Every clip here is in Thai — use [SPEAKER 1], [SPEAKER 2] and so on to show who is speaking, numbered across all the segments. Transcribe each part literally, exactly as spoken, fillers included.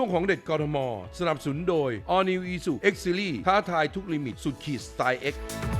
[SPEAKER 1] ของเด็ดกทมสนับสนุนโดย All New Isuzu X Series ท้าทายทุกลิมิตสุดขีดสไตล์ X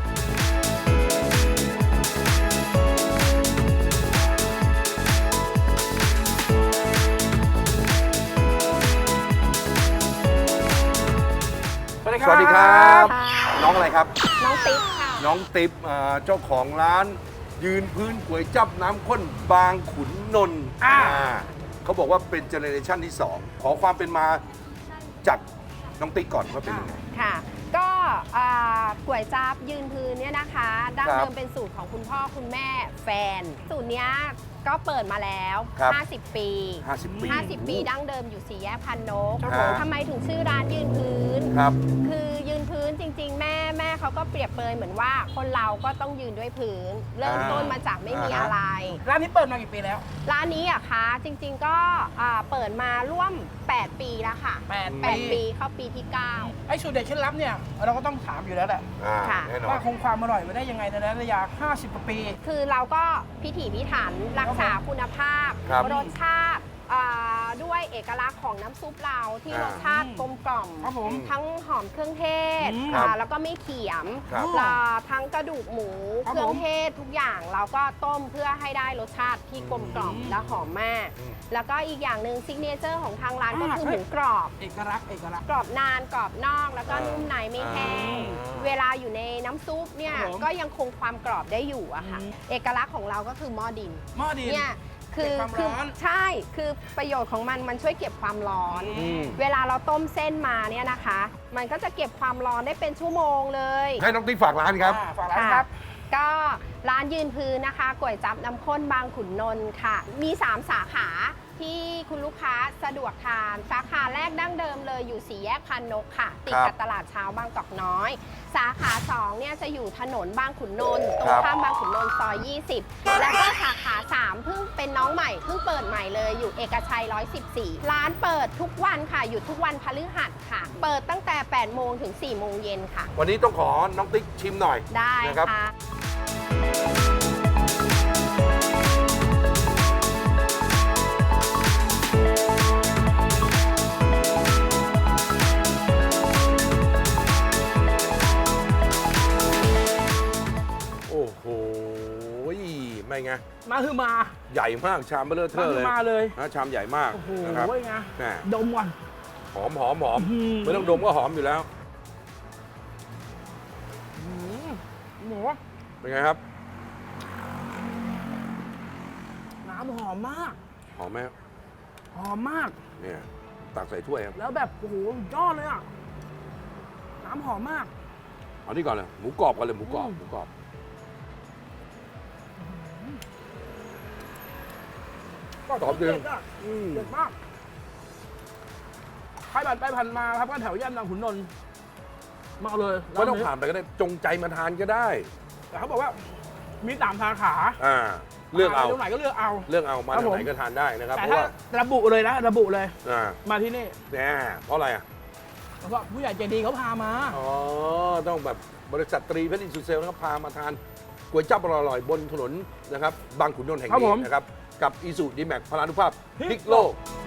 [SPEAKER 2] สวัสดีครับ
[SPEAKER 3] ค่ะ
[SPEAKER 2] น้องอะไรครับ
[SPEAKER 3] น้องติ๊กค่ะ
[SPEAKER 2] น้องติ๊บอ่าเจ้าของร้านยืนพื้นก๋วยจับน้ำข้นบางขุนนนท์อ่าเขาบอกว่าเป็นเจเนอเรชันที่สองขอความเป็นมาจากน้องติ๊กก่อนว่าเป็นยังไง
[SPEAKER 3] ค่ะ ก็อ่าก๋วยจั๊บยืนพื้นเนี่ยนะคะ ดั้ง
[SPEAKER 2] ครับ
[SPEAKER 3] เดิมเป็นสูตรของคุณพ่อคุณแม่แฟน สูตรเนี้ยก็เปิดมาแล้ว
[SPEAKER 2] ครับ
[SPEAKER 3] ห้าสิบ ปี
[SPEAKER 2] ห้าสิบปี
[SPEAKER 3] ห้าสิบ ปีดั้งเดิมอยู่สี่แยกพันนก
[SPEAKER 2] ครับผม
[SPEAKER 3] ทำไมถึงชื่อร้านยืนพื้น
[SPEAKER 2] ครับ
[SPEAKER 3] คือยืนพื้นจริง ๆ แม่แม่เขาก็เปรียบเปรยเหมือนว่าคนเราก็ต้องยืนด้วยพื้น เริ่มต้นมาจากไม่มี
[SPEAKER 2] อ่าฮะ
[SPEAKER 3] อะไร
[SPEAKER 4] ร้านนี้เปิดมากี่ปีแล้ว
[SPEAKER 3] ร้านนี้อะคะจริง ๆ ก็อ่าเปิดมาร่วม แปด ปีแล้วค่ะ
[SPEAKER 4] แปด
[SPEAKER 3] แปด ปีเข้าปีที่ เก้า
[SPEAKER 4] ไอ้สูตรเด็ดเคล็ดลับเนี่ยเราก็ต้องถามอยู่แล้วแหละ
[SPEAKER 2] อ่า
[SPEAKER 3] ค่ะ
[SPEAKER 2] แน่นอ
[SPEAKER 4] ว่าน คงความอร่อยมาได้ยังไงในระยะห้าสิบกว่าปี
[SPEAKER 3] คือเราก็พิถีพิถันรักษาคุณภาพ
[SPEAKER 2] ครับ
[SPEAKER 3] รสชาติอ่าด้วยเอกลักษณ์ของน้ำซุปเราที่
[SPEAKER 2] อ่าร
[SPEAKER 3] สชาติกลมกล่อม
[SPEAKER 4] ครับผม
[SPEAKER 3] ทั้งหอมเครื่องเทศ
[SPEAKER 4] อืม
[SPEAKER 3] อ่า
[SPEAKER 2] ครับ
[SPEAKER 3] แล้วก็ไม่เขียม
[SPEAKER 2] ครับ
[SPEAKER 3] อ่าทั้งกระดูกหมู
[SPEAKER 4] ครับ
[SPEAKER 3] เครื่อ
[SPEAKER 4] ผ
[SPEAKER 3] ง
[SPEAKER 4] ม
[SPEAKER 3] เทศทุกอย่างเราก็ต้มเพื่อให้ได้รสชาติที่กลมกล่อม
[SPEAKER 4] อืม
[SPEAKER 3] และหอมมาก
[SPEAKER 2] อืม
[SPEAKER 3] แล้วก็อีกอย่างหนึ่งซิกเนเจอร์ของทางร้านก็
[SPEAKER 4] อ่า
[SPEAKER 3] คือ
[SPEAKER 4] เฮ้
[SPEAKER 3] ห
[SPEAKER 4] ย
[SPEAKER 3] มูกรอบ
[SPEAKER 4] เอกลักษณ์เอกลักษณ์
[SPEAKER 3] กรอบนานกรอบนอกแล้วก็
[SPEAKER 2] อ่า
[SPEAKER 3] นุ่มในไม่แห้ง
[SPEAKER 2] อ่า
[SPEAKER 3] เวลาอยู่ในน้ำซุปเนี่ย
[SPEAKER 4] ครับผม
[SPEAKER 3] ก็ยังคงความกรอบได้อยู่อะค่ะ
[SPEAKER 4] อืม
[SPEAKER 3] เอกลักษณ์ของเราก็คือหม้อดิน
[SPEAKER 4] หม้อดิน
[SPEAKER 3] เนี่ยคือ
[SPEAKER 4] เก็บความ
[SPEAKER 3] คือ
[SPEAKER 4] ร้อน
[SPEAKER 3] ใช่คือประโยชน์ของมันมันช่วยเก็บความร้อน
[SPEAKER 2] อืม
[SPEAKER 3] เวลาเราต้มเส้นมาเนี่ยนะคะ มันก็จะเก็บความร้อนได้เป็นชั่วโมงเลย
[SPEAKER 2] ให้น้องติ๊กฝากร้านครับ
[SPEAKER 4] อ่าฝากร้านครับ
[SPEAKER 3] ก็ร้านยืนพื้นนะคะก๋วยจั๊บน้ำข้นบางขุนนนท์ค่ะ มี สาม สาขาที่คุณลูกค้าสะดวกทาน สาขาแรกดั้งเดิมเลยอยู่สี่แยกพันนกค่ะ ติด
[SPEAKER 2] ครั
[SPEAKER 3] กับบ ตลาดเช้าบางกอกน้อย สาขาสองเนี่ยจะอยู่ถนนบางขุนนนท์ตร
[SPEAKER 2] ครั
[SPEAKER 3] ง
[SPEAKER 2] บ
[SPEAKER 3] ข้ามบางขุนนนท์ซอย ยี่สิบ แล้วก็สาขาสามเพิ่งเป็นน้องใหม่เพิ่งเปิดใหม่เลยอยู่เอกชัยหนึ่งสิบสี่ ร้านเปิดทุกวันค่ะอยู่ทุกวันพฤหัสค่ะ เปิดตั้งแต่แปดโมงถึงสี่โมงเย็นค่ะ
[SPEAKER 2] วันนี้ต้องขอน้องติ๊กชิมหน่อย
[SPEAKER 3] ได้
[SPEAKER 2] นะครับ
[SPEAKER 3] ค่ะ
[SPEAKER 2] โอ้โหไม่ไง
[SPEAKER 4] มาคือมา
[SPEAKER 2] ใหญ่มากชามเบลเลอร์เท
[SPEAKER 4] มา
[SPEAKER 2] อร์
[SPEAKER 4] คื
[SPEAKER 2] เล
[SPEAKER 4] อย มาเลย
[SPEAKER 2] นะชามใหญ่มาก
[SPEAKER 4] โอ้โห
[SPEAKER 2] นะครับ
[SPEAKER 4] ไง
[SPEAKER 2] แหม่
[SPEAKER 4] ดมก่อน
[SPEAKER 2] หอมหอมหอม
[SPEAKER 4] อื้อหือ
[SPEAKER 2] ไม่ต้องดมก็หอมอยู่แล้ว
[SPEAKER 4] อืมหมู
[SPEAKER 2] เป็นไงครับ
[SPEAKER 4] น้ำหอมมาก
[SPEAKER 2] หอมไหมครับ
[SPEAKER 4] หอมมาก
[SPEAKER 2] เนี่ยตักใส่ถ้วยครับ
[SPEAKER 4] แล้วแบบโอ้โหยอดเลยอ่ะ น้ำหอมมาก
[SPEAKER 2] เอานี่ก่อนเลยหมูกรอบก่อนเลยหมูกรอบ
[SPEAKER 4] อืม
[SPEAKER 2] หมูกรอบ
[SPEAKER 4] ก็
[SPEAKER 2] ตอบจริง
[SPEAKER 4] เด็ดอ่ะ
[SPEAKER 2] อืม
[SPEAKER 4] เด็ดมาก ใครผ่านไปผ่านมาครับก็แถวย่านบางขุนนนท์มาเอาเลย
[SPEAKER 2] ไม่ต้อง
[SPEAKER 4] ร้
[SPEAKER 2] ผ่านไปก็ได้จงใจมาทานก็ได้
[SPEAKER 4] แต่เขาบอกว่ามีสามสาขา
[SPEAKER 2] อ่าเลือกเอา
[SPEAKER 4] ตรงไหนก็เลือกเอา
[SPEAKER 2] เลือกเอามา
[SPEAKER 4] ครับ
[SPEAKER 2] ทาง
[SPEAKER 4] ผม
[SPEAKER 2] ไหนก็ทานได้นะครับ
[SPEAKER 4] แต่
[SPEAKER 2] เพราะ
[SPEAKER 4] ถ้า
[SPEAKER 2] ว่า
[SPEAKER 4] ระบุเลยนะ ระบุเลย
[SPEAKER 2] อ่า
[SPEAKER 4] มาที่นี่
[SPEAKER 2] เนี่ยเพราะอะไรอ่ะ
[SPEAKER 4] เพราะว่าผู้ใหญ่ใจดีเขาพามา
[SPEAKER 2] อ๋อต้องแบบบริษัทตรีเพชรอินซูเซลนะครับพามาทานก๋วยจั๊บอร่อยๆบนถนนนะครับบางขุนนนท์แห่ง
[SPEAKER 4] ครับผ
[SPEAKER 2] นี้
[SPEAKER 4] ม
[SPEAKER 2] นะครับกับอีซูดีแม็กพลานุภาพพลิกโลก